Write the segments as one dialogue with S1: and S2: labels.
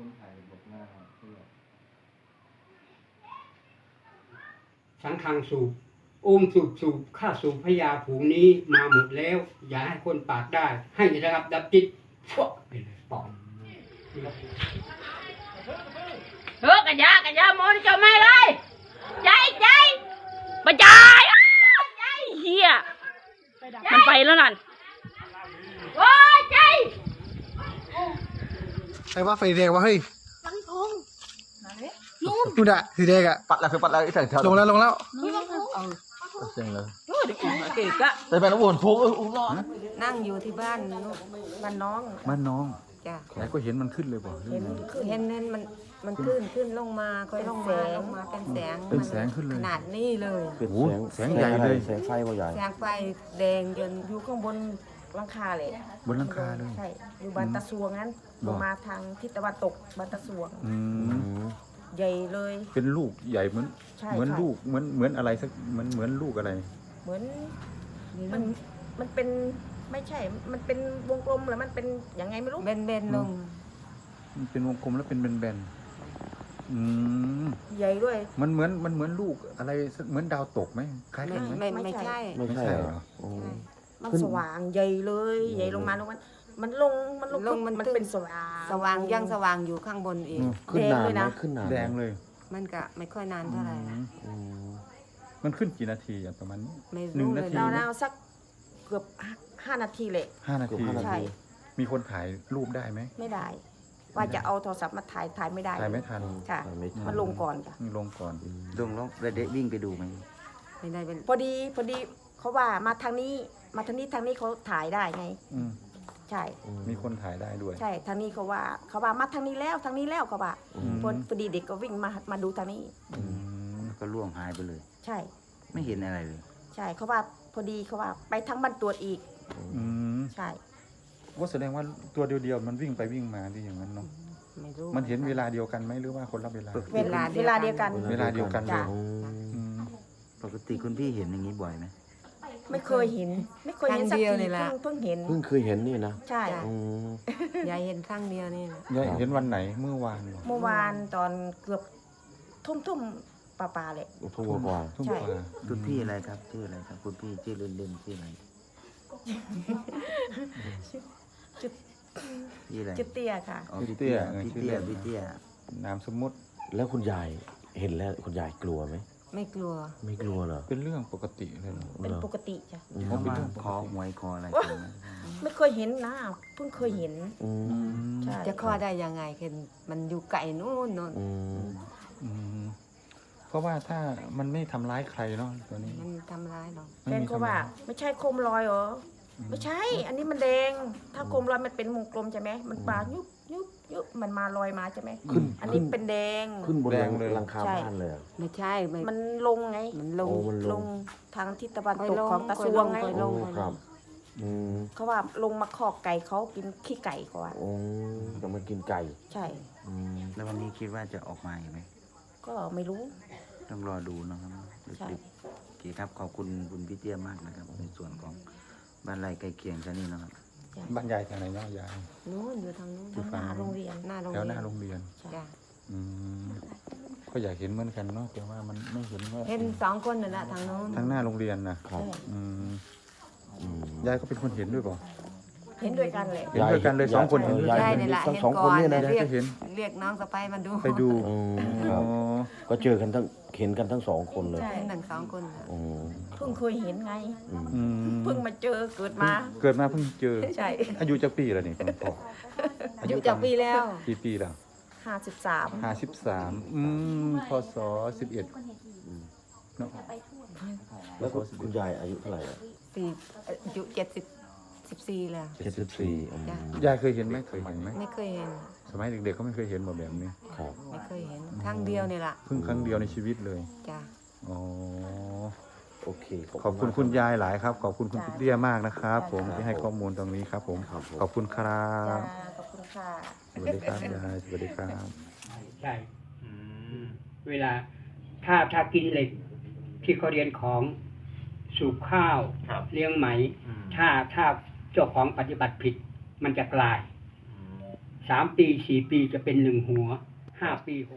S1: คนถ่ายบทหน้าเพื่อ
S2: สังฆังสูบสูบข้าสูบพญาผูงนี้มาหมดแล้วอย่าให้คนปากได้ให้ระงับดับจิตพวกไปเลยปอน
S3: กันยามอนจะไม่เลยใจมาใจเฮียมันไปแล้วนั่นโอ้ยใจ
S4: ไอ้ว่าไฟแดงวะเฮ้ยนู่นอะสีแดงอะ
S1: ปัดแล้วไอ้ใส่
S4: ลงแล้ว
S1: เสียงเลย
S3: เก๋กะ
S1: แต่เป็นวนพงร้อน
S5: นั่งอยู่ที่บ้านน้องจ้ะ
S1: ไหนก็เห็นมันขึ้นเลยป่ะ
S5: เห็นมันขึ้นลงมาค่อยลงมาเป็นแสง
S1: เป็นแสงขึ้นเลย
S5: ขนาดนี้เลย
S1: โอ้แสงใหญ่เลยแสงไฟก็ใหญ่
S5: แสงไฟแดงจนอยู่ข้างบนหลังคาเลย
S1: บนหลังคาเลย
S5: ใช่อยู่บ้านตะสวงนั้นลงมาทางทิศตะวันตกบ้านตะสวงใหญ่เลย
S1: เป็นลูกใหญ่เหมือน
S5: ใช่
S1: เหมือนลูกเหมือนอะไรสักเหมือนลูกอะไร
S5: เหมือนมันเป็นไม่ใช่มันเป็นวงกลมหรือมันเป็นยังไงไม่รู้เบนลง
S1: มันเป็นวงกลมแล้วเป็นแบนๆ
S5: ใหญ่ด้วย
S1: มันเหมือนลูกอะไรเหมือนดาวตกไหมคล้ายกันไหม
S5: ไม่ใช่
S1: ไม่ใช่เหรอ
S5: มันสว่างใหญ่เลยใหญ่ลงมาแล้วมันลงมันเป็นสว่างยังสว่างอยู่ข้างบนอีก
S1: ขึ้นนาน
S5: เลยนะ
S1: ขึ้นนานแดงเลย
S5: มันก็ไม่ค่อยนานเท่าไหร่นะ
S1: มันขึ้นกี่นาทีอย่างประมาณนี้
S5: ไม่
S1: หนึ่ง
S5: รู้
S1: นา
S5: เลย
S1: ที
S5: เราสักเกือบ5 นาทีเลย
S1: 5 นาที
S5: ใช่
S1: มีคนถ่ายรูปได้ไหม
S5: ไม่ได้ ว่าจะเอาโทรศัพท์มาถ่ายไม่ได้
S1: ถ่ายไม่ทัน
S5: ค่ะมันลงก่อนจ้ะ
S1: ลงก่อน
S6: ลงแล้วระเดะวิ่งไปดูไหม
S5: ไม่ได้เป็นพอดีเขาว่ามาทางนี้เขาถ่ายได้ไง
S1: อืม
S5: ใช่
S1: มีคนถ่ายได้ด้วย
S5: ใช่ทางนี้เขาว่ามาทางนี้แล้วเขาว่าพอดีเด็กก็วิ่งมาดูทางนี้
S6: ก็ล่วงหายไปเลย
S5: ใช่
S6: ไม่เห็นอะไรเลย
S5: ใช่เขาว่าพอดีเขาว่าไปทางบ้านตรวจอีก ใช่
S1: ว่าแสดงว่าตัวเดียวๆมันวิ่งไปวิ่งมาดีอย่างนั้นเนาะ
S5: ไม่รู้
S1: มันเห็นเวลาเดียวกันไหมหรือว่าคนละเวลา
S5: เวลาเดียวกัน
S1: เวลาเดียวกันเล
S5: จ้ะ
S1: ยอืม
S6: ปกติคุณพี่เห็นอย่างนี้บ่อยไหม
S5: ไม่เคยเห็นสักทีเพิ่งเห็น
S7: เพิ่งเคยเห็นนี่นะ
S5: ใช่
S8: ยายเห็นครั้งเดียวนี่นะ
S1: ยายเห็นวันไหนเมื่อวานเหรอ
S5: เมื่อวานตอนเกือบทุ่มปลาเลย
S7: ทุ่มกว่า
S1: ทุ่ม
S5: ใช่
S1: กว่า
S6: คุณพี่อะไรครับชื่ออะไรครับคุณพี่ชื่อเล่นๆชื่ออะไรพี่อะไร
S5: จุดเตี้ยค่ะ
S6: อ๋อพี่เตี้ยพี่เตี้ย
S1: นามสมมุติ
S7: แล้วคุณยายเห็นแล้วคุณยายกลัวไหม
S8: ไม่กลัว
S7: ไม่กลัวเหรอ
S1: เป็นเรื่องปกติเลยเหรอ
S5: เป็นปกติจ้ะ
S6: เขามาขอหวยขออะไรกันไหม
S5: ไม่เคยเห็นนะเพิ่งเคยเห็น
S7: อืม
S5: ใช่
S8: จะข้อได้ยังไงเห็นมันอยู่ไกลนู่น
S7: อืม
S1: อืมเพราะว่าถ้ามันไม่ทำร้ายใครเนาะตัวนี้
S8: มันทำร้ายเรา
S5: แฟนเขาว่าไม่ใช่โคมลอยเหรอไม่ใช่ อันนี้มันแดงถ้าโคมลอยมันเป็นวงกลมใช่ไหมมันปลายุบมันมาลอยมาใช่ไหม
S7: ขึ้น
S5: อันนี้เป็นแดง
S7: ขึ้นบนหลังคาบ้านเลยเหรอ
S8: ไม่ใช่ไม่
S5: มันลงไง
S8: มันลง
S7: โอ้มันล
S5: ล
S7: ง
S5: งทางทิศตะวันตก
S8: ลง
S5: ของตะสวงไง
S8: ลง
S7: โอ้ครับอืม
S5: เขาว่าลงมาคอกไก่เขากินขี้ไก่เขาว่า
S7: โอ้จะมากินไก่
S5: ใช่
S7: อืม
S6: แล้ววันนี้คิดว่าจะออกมาอีกไหม
S5: ก็ไม่รู้
S6: ต้องรอดูนะครับ
S5: ใช่
S6: โอเคครับขอบคุณคุณพี่เตี้ยมากนะครับในส่วนของบ้านไร่ใกล้เคียงแค่นี้นะครับ
S1: บ้านยายทางไหนเนาะยาย
S8: นู้นอยู่ทางนู้น
S1: ที่ฝั่
S5: หน้าโรงเรียน
S8: หน้าโรง
S1: แถ
S8: เรี
S1: วย หน้าน โรงเรียน
S8: จ้ะ
S1: อืมก็อยากเห็นเหมือนกันเนาะแต่ว่ามันไม่เห็นว่า
S8: เห็น2 คนนั่นแหละทางนู้น
S1: ทางหน้าโรงเรียนนะครับ อืม
S7: อืม
S1: ยายก็เป็นคนเห็นด้วยเปล่า
S5: เห็นด้วยกันเลย
S1: เห็นด้วยกันเลย2 คนเห็นด้วย
S7: ยาย
S1: กัน
S8: ยาย
S7: เห็น
S8: นี่แหละ
S7: ทั้ง
S8: เห็น
S7: สอง
S8: ก่
S7: คน
S8: อน
S7: เนี่ยนะ
S1: ยายก็เห็น
S8: เรียกน้องสะใภ้มาดู
S1: ไปดู
S7: อืมค
S1: อ๋
S7: รั
S1: อบ
S7: ก็เจอกันเห็นกันทั้งสองคนเลย
S5: ใช่
S8: เห็นทั้ง2 คนน่ะ
S7: อืม
S5: เพิ่งเคยเห็นไง
S7: อืม
S1: อืม
S5: เพิ่งมาเจอเกิดมา
S1: เกิดมาเพิ่งเจอ
S5: ใช่
S1: อายุจะปีแล้วนี่คุณพ่อ
S8: อายุจากปีแล้ว
S1: กี่ปีแล้ว
S5: 53
S1: 53พศ11เนาะ
S7: แล้วคุณยายอายุเท่าไหร่อะ
S8: ปีอายุ74แล้ว
S7: 74อืม
S8: จ้ะ
S1: ยายเคยเห็นไหมเคยเห็นไหม
S8: ไม่เคยเห็น
S1: สมัยเด็กๆก็ไม่เคยเห็นแบบนี้
S7: ครับ
S8: ไม่เคยเห็นครั้งเดียวนี่แหละ
S1: เพิ่งครั้งเดียวในชีวิตเลย
S8: จ้ะ
S1: อ๋อ
S7: โอเค
S1: ขอบคุณคุณยายหลายครับ ขอบคุณคุณพี่เตี้ยมากนะครับ ผมที่ให้ข้อมูลตรงนี้ครับ ผม
S7: ครับผม
S1: ขอบคุณครั
S5: จ้า
S1: บ
S5: ขอบคุณค่ะ
S1: สวัสดีครับยายสวัสดีครับ
S2: ใช่เวลาถ้ากินเหล็ก ที่เขาเรียนของสูบข้าวเลี้ยงไหม ถ้าเจ้าของปฏิบัติผิด มันจะกลาย 3 ปี 4 ปีจะเป็น1 หัว 5 ปี 6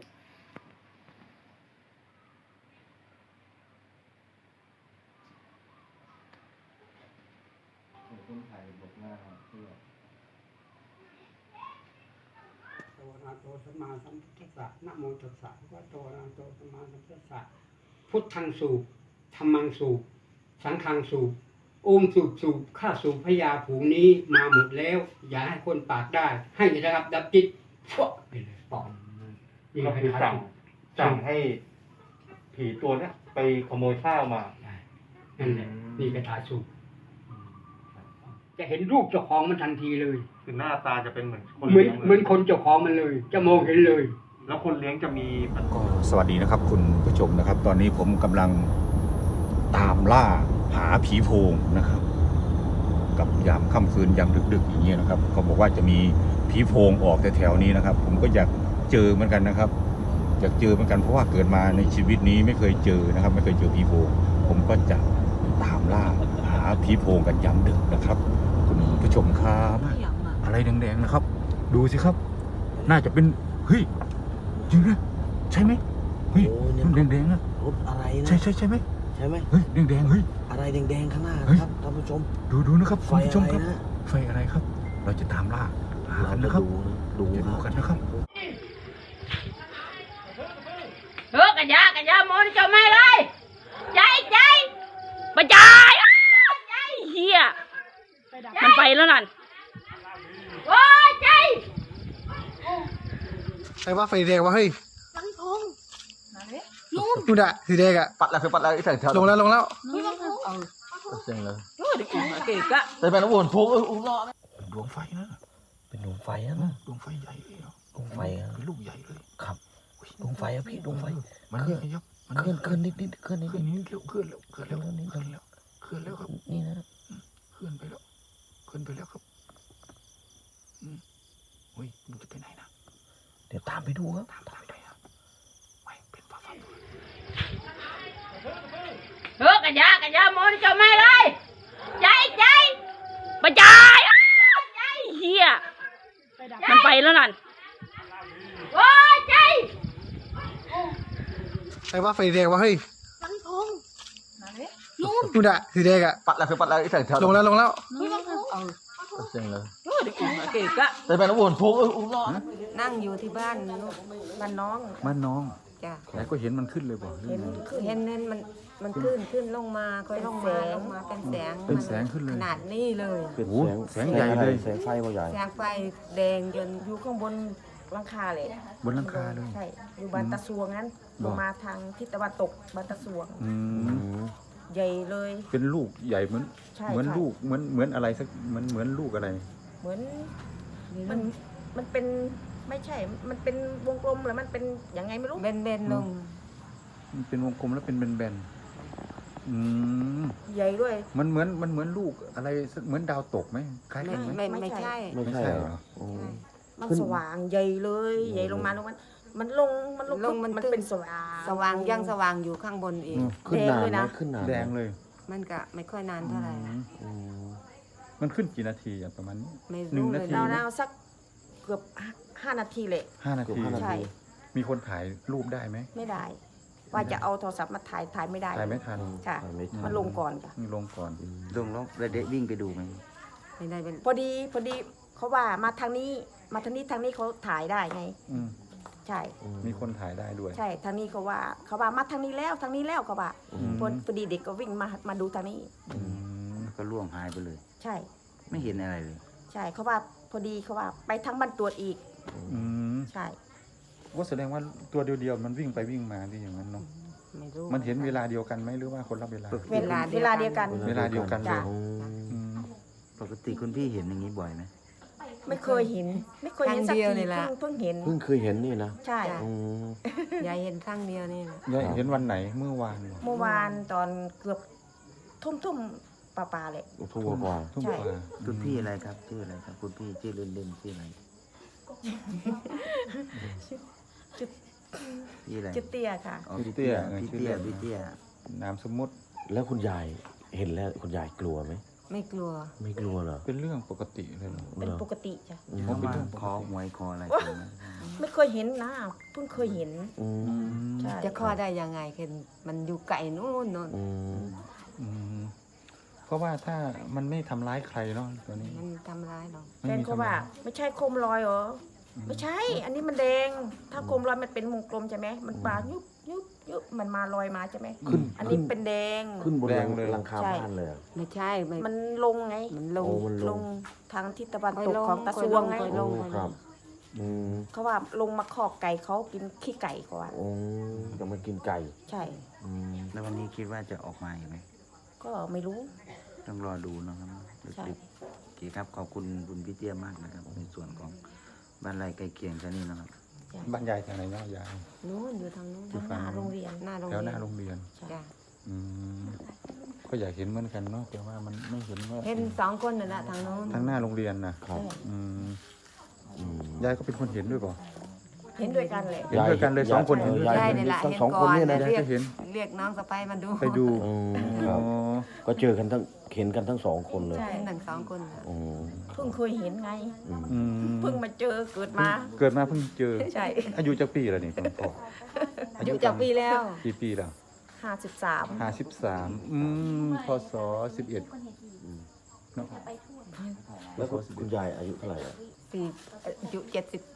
S2: โตอะระหะโตสัมมาสัมพุทธัสสะนะโมตัสสะภะคะวะโตอะระหะโตสัมมาสัมพุทธัสสะพุทธังสูบธัมมังสูบสังฆังสูบโอมสูบข้าสูบพญาผูงนี้มาหมดแล้ว อย่าให้คนปากได้ ให้ระงับดับจิตฟวกไปเลยปอมนี่
S9: ก็คือสั่งให้ผีตัวเนี้ยไปขโมยข้าวมา
S2: นั่นแหละนี่กระถาสูบจะเห็นรูปเจ้าของมันทันทีเลย
S9: คือหน้าตาจะเป็นเหมือนคน
S2: เหมือน
S9: เลี้ยง
S2: เหมือนคนเจ้าของมันเลย จะมองเห็นเลย
S9: แล้วคนเลี้ยงจะมี
S1: ก็สวัสดีนะครับคุณผู้ชมนะครับ ตอนนี้ผมกำลังตามล่าหาผีโพงนะครับ กับยามค่ำคืนยามดึกๆอย่างเงี้ยนะครับเขาบอกว่าจะมีผีโพงออกแถวๆนี้นะครับ ผมก็อยากเจอเหมือนกันนะครับ อยากเจอเหมือนกันเพราะว่าเกิดมาในชีวิตนี้ไม่เคยเจอนะครับ ไม่เคยเจอผีโพงผมก็จะตามล่าหาผีโพงกันยามดึกนะครับ คุณผู้ชมครับอะไรแดงๆนะครับ ดูสิครับ น่าจะเป็นเฮ้ยจริงนะใช่ไหมเฮ้ย
S7: โอ้เนี่ย
S1: มันแดงๆนะ
S7: รถอะไรนะ
S1: ใช่ไหม
S7: ใช่ไหม
S1: เฮ้ยแดงๆเฮ้ย
S7: อะไรแดงๆข้างหน้า
S1: เฮ้ย
S7: นะครับท่านผู้ชม
S1: ดูนะครับ
S7: ไฟ
S1: คุณผู้ชม
S7: อะไร
S1: ครับ
S7: นะ
S1: ไฟอะไรครับ เราจะตามล่าหา
S7: เรา
S1: กัน
S7: จะ
S1: นะครับ
S7: ดู
S1: จะดูกันนะครับ
S3: เฮ้ยกะยามอนเจ้าไม่เลยใจประจายใจเฮียมันไปแล้วนั่นโอ้ยใจ
S4: ใครว่าไฟแดงวะเฮ้ยนู่นอะสีแดงอะ
S7: ปัดแล้วคือปัดแล้วไอ้แสงเทา
S4: ลงแล้ว
S7: เสียงเลย
S3: โอ้ยเก๋กะ
S7: แต่เป็นวนโพงรอด
S1: ดวงไฟนะ
S7: เป็นดวงไฟนะ
S1: ดวงไฟใหญ่เลยอะ
S7: ดวงไฟอะ
S1: เป็นลูกใหญ่เลย
S7: ครับดวงไฟอะพี่ดวงไฟ
S1: มันขยับมัน
S7: เคลื่อนเคลื่อนนิดเคลื่อนนิด
S1: เคลื่อนนิดเร็วเคลื่อนแล้วเคลื่อนแล้วเคลื่อนแล้วเคลื่อนแล้วครับ
S7: นี่นะ
S1: เคลื่อนไปแล้วเคลื่อนไปแล้วครับเฮ้ยมันจะไปไหนนะ
S7: เดี๋ยวตามไปดูครับ
S1: ตามไปครับไม่เป็นฟ้า
S3: เฮ้ยกะยามอนเจ้าไม่เลยใจประจายใจเฮียมันไปแล้วนั่นโอ้ยใจ
S4: ใครว่าไฟแดงวะเฮ้ยนู่นอะสีแดงอะ
S7: ปัดแล้วคือปัดแล้วไอ้แสงเทา
S4: ลงแล้ว
S7: เสียงเลย
S3: โอ้ยเก๋กะ
S7: แต่เป็นวนโพงรอด
S8: นั่งอยู่ที่บ้านลูก
S5: บ้านน้อง
S1: บ้านน้อง
S8: จ้ะ
S1: แต่ก็เห็นมันขึ้นเลยบอก
S5: เห็นขึ้น
S8: เห็นมันขึ้นลงมาค่อยลงมาเป็นแสง
S1: เป็นแสงขึ้นเลย
S8: ขนาดนี้เลย
S7: เป็น
S1: โอ้โหแสงใหญ่เลย
S7: แสงไฟว่าใหญ่
S8: แสงไฟแดงจน
S5: อยู่ข้างบนหลังคาเลย
S1: บนหลังคาเลย
S5: ใช่อยู่บ้านตะสวงนั้นลงมาทางทิศตะวันตกบ้านตะสวง ใหญ่เลย
S1: เป็นลูกใหญ่เหมือน
S5: ใช่
S1: เหมือน
S5: ใช่
S1: ลูกเหมือนอะไรสักเหมือนลูกอะไร
S5: เหมือนมันเป็นไม่ใช่ มันเป็นวงกลมหรือมันเป็นยังไงไม่รู้
S8: เบนลง
S1: มันเป็นวงกลมแล้วเป็นแบนๆ
S5: ใหญ่ด้วย
S1: มันเหมือนลูกอะไรสักเหมือนดาวตกไหมคล้ายกันไหม
S8: ไม่ใช่
S7: ไม่ใช่เหรอโอ้
S5: มันสว่างใหญ่เลยใหญ่ลงมาลงมันลงมันเป็นสว่าง
S8: สว่างยังสว่างอยู่ข้างบนอีก
S7: ขึ้นนาน
S5: แดงด้วย
S7: ไหม
S5: นะ
S7: ขึ้นนานไหม
S1: แดงเลย
S8: มันก็ไม่ค่อยนานเท่าไหร่นะ
S7: อืม
S1: มันขึ้นกี่นาทีอะประมาณนี้
S8: ไม่
S1: หนึ่
S8: รู้
S1: ง
S8: เล
S1: นาที
S8: ย
S5: ราวๆสักเกือบ5 นาทีเลย
S1: 5 นาที
S5: ใช่
S1: มีคนถ่ายรูปได้ไหม
S5: ไม่ได้ ว่าจะเอาโทรศัพท์มาถ่ายไม่ได้
S1: ถ่ายไม่ทัน
S5: ค่ะ
S7: ไม่ทัน
S5: มันลงก่อนจ้ะ
S1: นี่ลงก่อน
S6: ลงแล้วแล้วได้วิ่งไปดูไหม
S8: ไม่ได้เป็น
S5: พอดีเขาว่ามาทางนี้เขาถ่ายได้ไง
S1: อืม
S5: ใช่
S1: มีคนถ่ายได้ด้วย
S5: ใช่ทางนี้เขาว่ามาทางนี้แล้วเขาว่าพอดีเด็กก็วิ่งมาดูทางนี้
S1: อืม
S6: แล้วก็ล่วงหายไปเลย
S5: ใช่
S6: ไม่เห็นอะไรเลย
S5: ใช่เขาว่าพอดีเขาว่าไปทางบ้านตรวจอีก
S1: อืม
S5: ใช่
S1: ว่าแสดงว่าตัวเดียวๆมันวิ่งไปวิ่งมาที่อย่างนั้นเนาะ
S8: ไม่รู้
S1: มันเห็นเวลาเดียวกันไหมหรือว่าคนละเวลา
S5: เวลาเดียวกัน
S1: เวลาเดียวกันเลย
S5: จ้ะ
S1: อืม
S6: ปกติคุณพี่เห็นอย่างนี้บ่อยไหม
S5: ไม่เคยเห็นสักทีเพิ่งเห็น
S7: เพิ่งเคยเห็นนี่นะ
S5: ใช่
S7: อืม
S8: ยายเห็นครั้งเดียวนี่แหละ
S1: เห็นวันไหนเมื่อวานเหรอ
S5: เมื่อวานตอนเกือบทุ่มปลาเลย
S7: ทุ่มกว่า
S1: ทุ่ม
S5: ใช่
S1: กว่า
S6: คุณพี่อะไรครับชื่ออะไรครับคุณพี่ชื่อเล่นๆชื่ออะไรพี่อะไร
S5: จุดเตี้ยค่ะ
S6: อ๋อ
S1: พี่เตี้ย
S6: พี่เตี้ย
S1: นามสมมุติ
S7: แล้วคุณยายเห็นแล้วคุณยายกลัวไหม
S8: ไม่กลัว
S7: ไม่กลัวเหรอ
S1: เป็นเรื่องปกติเลยเหรอ
S5: เป็นปกติจ้ะ
S6: เขามาขอหวยขออะไรกันไหม
S5: ไม่เคยเห็นนะเพิ่งเคยเห็น
S7: อืม
S5: ใช่
S8: จะคลอดได้ยังไงคือมันอยู่ไกลนู่นนู่น
S7: อืม
S1: อืมเพราะว่าถ้ามันไม่ทำร้ายใครเนาะตัวนี้
S8: มันทำร้ายเรา
S5: แฟนเขาว่าไม่ใช่โคมลอยเหรอไม่ใช่ อันนี้มันแดง ถ้าโคมลอยมันเป็นวงกลมใช่ไหมมันปลายุบยุบยุบมันมาลอยมาใช่ไหม
S7: ขึ้น
S5: อันนี้เป็นแดง
S7: ขึ้นบน
S1: แดงเลย
S7: หลังคา
S5: ใช่
S7: บ้านเลยอะ
S8: ไม่ใช่ไม่
S5: มันลงไง
S8: มันลง
S7: โอ้มันลง
S5: ทางทิศตะวัน
S8: ค่อย
S5: ตก
S8: ลง
S5: ของตะสวงไง
S8: ค่อยล
S7: โอ้ครับ อืม
S5: เขาว่าลงมาคอกไก่เขากินขี้ไก่ก่อน
S7: โอ้จะมากินไก่
S5: ใช่
S7: อืม
S6: แล้ววันนี้คิดว่าจะออกมาอีกไหม
S5: ก็ไม่รู้
S6: ต้องรอดูนะครับ
S5: ใช่
S6: ดึกๆโอเคครับขอบคุณคุณพี่เตี้ยมากนะครับในส่วนของบ้านไร่ใกล้เคียงซะนี่นะครับ
S1: บ้านยายทางไหนเนาะยาย
S8: นู่นอยู่ทางนู้น
S5: ทางหน้าโรงเรียน
S8: หน้าโรง
S1: แถว
S8: เรียน
S1: หน้าโรงเรียน
S8: จ้ะ
S1: อืมก็อยากเห็นเหมือนกันเนาะแต่ว่ามันไม่เห็นว่า
S8: เห็นสองคนนั่นแหละทางนู้น
S1: ทางหน้าโรงเรียนนะครับ อืม
S7: อืม
S1: ยายก็เป็นคนเห็นด้วยเปล่า
S5: เห็นด้วยกันเลย
S1: เห็นด้วยกันเลยสองคนเห็นด้วย
S7: ยา
S1: กั
S7: ย
S1: น
S8: นี่แหละ
S7: ทั้ง
S8: เห็น
S7: สอง
S8: ก่
S7: ค
S8: อน น
S7: เนี่ยนะ
S1: ยาย
S8: เรีย
S1: ก็
S8: ก
S1: เห็น
S8: เรียกน้องสะใภ้มาดู
S1: ไปดู
S7: อืมค
S1: อ๋
S7: รั
S1: อบ
S7: ก็เจอกันทั้งเห็นกันทั้งสองคนเลย
S5: ใช่
S8: เห็นทั้งสองคนน่ะ
S7: อืม
S5: เพิ่งเคยเห็นไง
S7: อืม
S1: อืม
S5: เพิ่งมาเจอเกิดมา
S1: เกิดมาเพิ่งเจอ
S5: ใช่
S1: อายุจักปีแล้วนี่คุณพ่อ
S8: อยู่จากปีแล้ว
S1: กี่ปีแล้ว
S5: 53
S1: 53พศ11เนาะ
S7: แล้วก็คุณยายอายุเท่าไหร่อะ
S8: สี่อายุ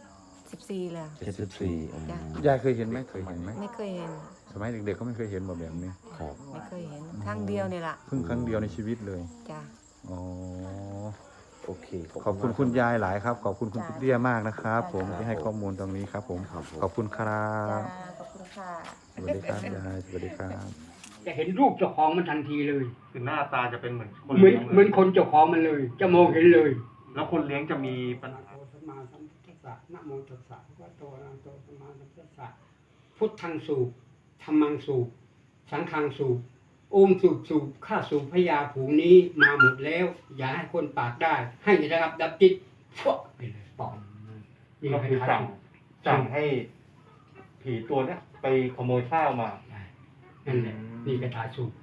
S8: 14แล้ว
S7: 74อืม
S8: จ้ะ
S1: ยายเคยเห็นไหมเคยเห็นไหม
S8: ไม่เคยเห็น
S1: สมัยเด็กๆเขาไม่เคยเห็นแบบนี้
S7: ครับ
S8: ไม่เคยเห็นครั้งเดียวนี่แหละ
S1: เพิ่งครั้งเดียวในชีวิตเลย
S8: จ้ะ
S1: อ๋อ
S7: โอเค
S1: ขอบคุณคุณยายหลายครับ ขอบคุณคุณพี่เตี้ยมากนะครับ ผมที่ให้ข้อมูลตรงนี้ครับ ผม ขอบคุณครั
S5: จ้า
S1: บ
S5: ขอบคุณค่ะ
S1: สวัสดีครับยายสวัสดีครับ
S2: จะเห็นรูปเจ้าของมันทันทีเลย
S9: คือหน้าตาจะเป็นเหมือนคน
S2: เหมือน
S9: เลี้ยง
S2: เหมือนคนเจ้าของมันเลย จะมองเห็นเลย
S9: แล้วคนเลี้ยงจะมีปัญ
S2: นะ
S9: หา
S2: โมสัมมาสัมพุทธัสสะนะโมตัสสะภะคะวะโตอะระหะโตสัมมาสัมพุทธัสสะพุทธังสูบธัมมังสูบสังฆังสูบโอมสูบข้าสูบพญาผูงนี้มาหมดแล้ว อย่าให้คนปากได้ ให้ระงับดับจิตชั่วไปเลยปอกนี่
S9: ก็
S2: ให้
S9: คือ
S2: ขา
S9: สั่งให้ผีตัวเนี้ยไปขโมยข้าวมา
S2: นั่นแหละนี่กระถาสูบ